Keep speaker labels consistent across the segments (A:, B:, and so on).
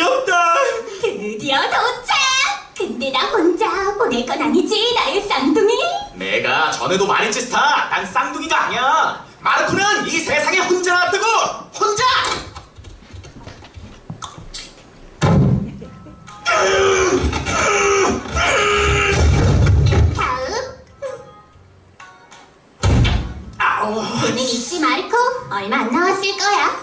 A: 없다.
B: 드디어 도착! 근데 나 혼자 보낼 건 아니지, 나의 쌍둥이?
A: 내가 전에도 말했지 스타. 난 쌍둥이가 아니야. 마르코는 이 세상에 혼자 놔두고 혼자.
B: 다음. 돈은 있지, 마르코? 얼마 안 나왔을 거야.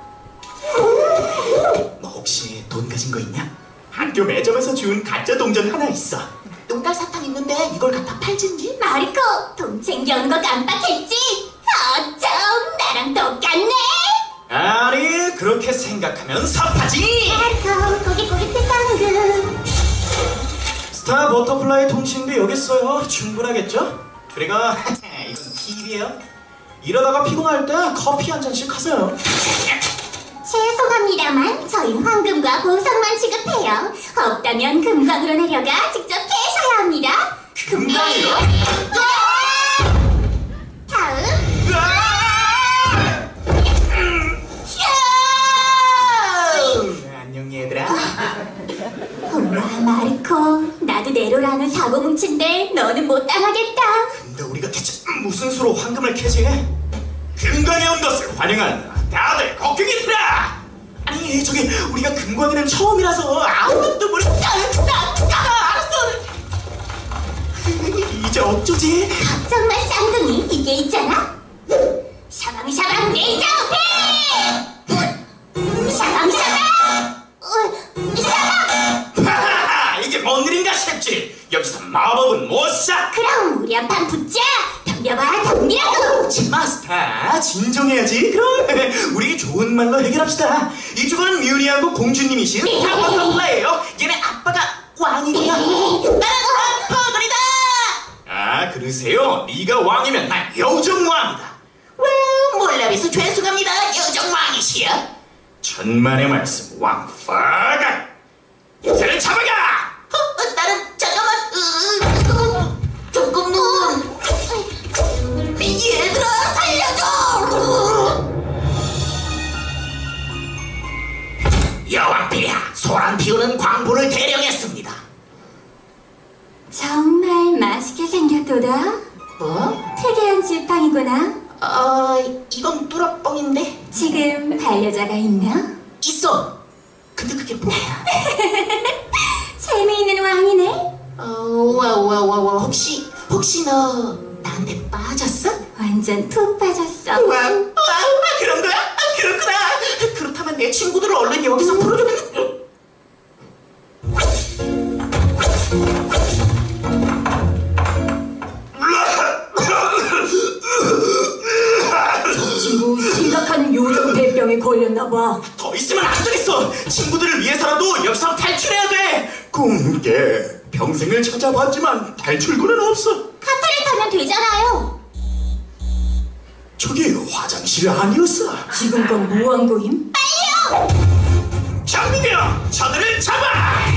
A: 너 혹시 돈 가진 거 있냐? 학교 매점에서 준 가짜 동전 하나 있어. 똥갈 사탕 있는데 이걸 갖다 팔진지?
B: 마르코, 돈 챙겨온 거 깜빡했지? 어쩜 나랑 똑같네?
A: 아니, 그렇게 생각하면 섭하지.
B: 마르코, 거기 쌍둥이.
A: 스타 버터플라이 통신비 여기 있어요. 충분하겠죠? 그리고 이건 팁이에요. 이러다가 피곤할 때 커피 한 잔씩 하세요.
B: 죄송합니다만 저희는 황금과 보석만 취급해요. 없다면 금광으로 내려가 직접 캐셔야 합니다.
A: 금방이요?
B: 다음.
A: 안녕 얘들아.
B: 엄마, 마르코, 나도 네로라는 사고 뭉친데 너는 못 당하겠다.
A: 근데 우리가 대체 무슨 수로 황금을 캐지? 금광에 온 것을 환영한다. 다들 걱정이더라. 아니 저기 우리가 금광에는 처음이라서 아무것도 모르. 알았어. 이제 어쩌지?
B: 걱정 마, 쌍둥이. 이게 있잖아. 샤방샤방 레이저 배! 샤방샤방! 샤방!
A: 하하하, 이게 뭔 일인가 싶지. 여기서 마법은 못 사.
B: 그럼 우리 한판 붙자. 덤벼봐, 덤비라고.
A: 마스터 진정해야지. 그럼 우리 좋은 말로 해결합시다. 이쪽은 뮤니하고 공주님이신 타워터플라예요. 얘네 아빠가 왕이구나. 나는 아빠들이다. 아 그러세요? 네가 왕이면 난 요정왕이다.
C: 몰라봬서 죄송합니다. 요정왕이시여.
A: 천만의 말씀 왕파가. 이제는 잡아가.
C: 나는 잠깐만. 조금은. 얘들아 살려줘.
A: 여왕비야 소란 피우는 광부를 대령했습니다.
B: 정말 맛있게 생겼도다.
C: 뭐?
B: 특이한 지팡이구나.
C: 이건 뚜러뻥인데.
B: 지금 반려자가 있나?
C: 있어. 근데 그게 뭐야?
B: 재미있는 왕이네.
C: 와 혹시 너 나한테 빠졌어?
B: 완전 푹 빠졌어.
C: 와, 그런 거야? 그렇구나. 그렇다면 내 친구들을 얼른 여기서 풀어주면.
B: 저 친구 심각한 요정 대병에 걸렸나봐.
A: 더 있으면 안 되겠어. 친구들을 위해서라도 여기서 탈출해야 돼. 꿈깨 평생을 찾아봤지만 탈출구는 없어.
B: 카트를 타면 되잖아요.
A: 저기 화장실 아니었어.
B: 지금 건 뭐한 거임?
A: 장비병 저들을 잡아.